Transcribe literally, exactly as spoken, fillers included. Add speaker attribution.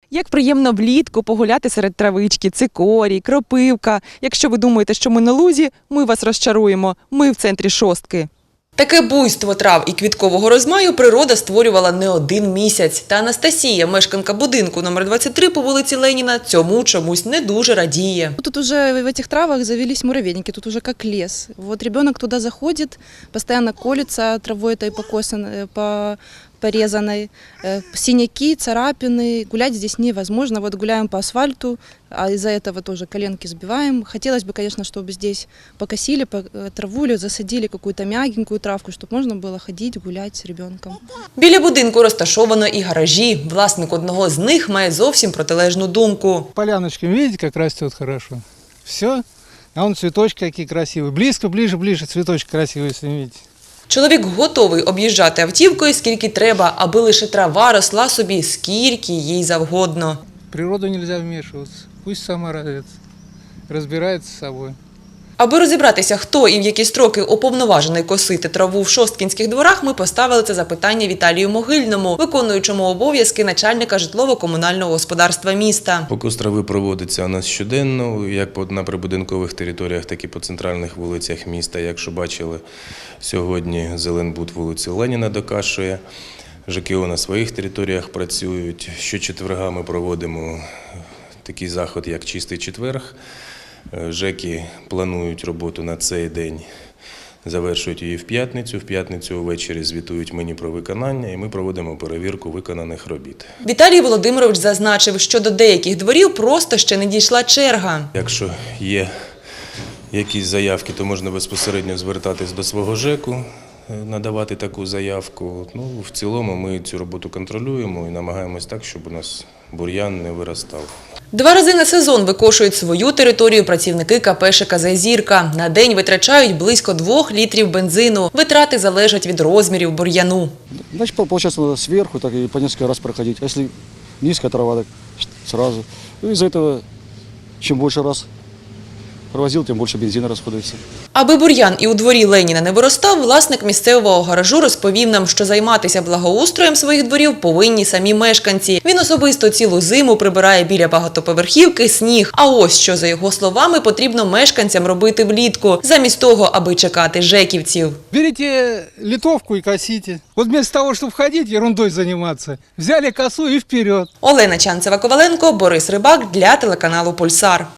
Speaker 1: Як приємно влітку погуляти серед травички, цикорій, кропивка. Якщо ви думаєте, що ми на лузі, ми вас розчаруємо. Ми в центрі Шостки. Таке буйство трав і квіткового розмаю природа створювала не один місяць. Та Анастасія, мешканка будинку номер двадцять три по вулиці Леніна, цьому чомусь не дуже радіє.
Speaker 2: Тут уже в этих травах завелись муравейники, тут уже как лес. Вот ребенок туда заходит, постоянно колется травой этой покосанной, по порезанной, синяки, царапины. Гулять здесь невозможно. Вот гуляем по асфальту, а из-за этого тоже коленки сбиваем. Хотелось бы, конечно, чтобы здесь покосили траву или засадили какую-то мягенькую травку, чтобы можно было ходить, гулять с ребенком.
Speaker 1: Біля будинку розташовано і гаражі. Власник одного з них має зовсім протилежну думку.
Speaker 3: Поляночки, видите, как растет хорошо. Все. А вон цветочки какие красивые. Близко, ближе, ближе цветочки красивые, если видите.
Speaker 1: Чоловік готовий об'їжджати автівкою скільки треба, аби лише трава росла собі скільки їй завгодно.
Speaker 3: В природу нельзя вмешиваться. Пусть сама развивается, разбирается с собой.
Speaker 1: Аби розібратися, хто і в які строки уповноважений косити траву в шосткінських дворах, ми поставили це запитання Віталію Могильному, виконуючому обов'язки начальника житлово-комунального господарства міста.
Speaker 4: Покос трави проводиться у нас щоденно, як на прибудинкових територіях, так і по центральних вулицях міста. Якщо бачили, сьогодні Зеленбуд вулицю Леніна докашує, ЖКО на своїх територіях працюють. Щочетверга ми проводимо такий заход, як «Чистий четверг». ЖЕКи планують роботу на цей день, завершують її в п'ятницю. В п'ятницю ввечері звітують мені про виконання і ми проводимо перевірку виконаних робіт.
Speaker 1: Віталій Володимирович зазначив, що до деяких дворів просто ще не дійшла черга.
Speaker 4: Якщо є якісь заявки, то можна безпосередньо звертатись до свого ЖЕКу, надавати таку заявку. Ну, в цілому ми цю роботу контролюємо і намагаємось так, щоб у нас бур'ян не виростав.
Speaker 1: Два рази на сезон викошують свою територію працівники КП ШКЗ «Зірка». На день витрачають близько двох літрів бензину. Витрати залежать від розмірів бур'яну.
Speaker 5: Значит, получается, надо сверху так и по несколько раз проходить. А если низкая трава, так сразу. И из-за этого, чем больше раз провозил, тем больше бензина расходуется.
Speaker 1: Аби бур'ян і у дворі Леніна не виростав, власник місцевого гаражу розповів нам, що займатися благоустроєм своїх дворів повинні самі мешканці. Він особисто цілу зиму прибирає біля багатоповерхівки сніг. А ось що, за його словами, потрібно мешканцям робити влітку, замість того, аби чекати жеківців.
Speaker 3: Берите литовку и косите. Вот вместо того, чтобы ходить, ерундой заниматься, взяли косу и вперед.
Speaker 1: Олена Чанцева-Коваленко, Борис Рибак для телеканалу «Пульсар».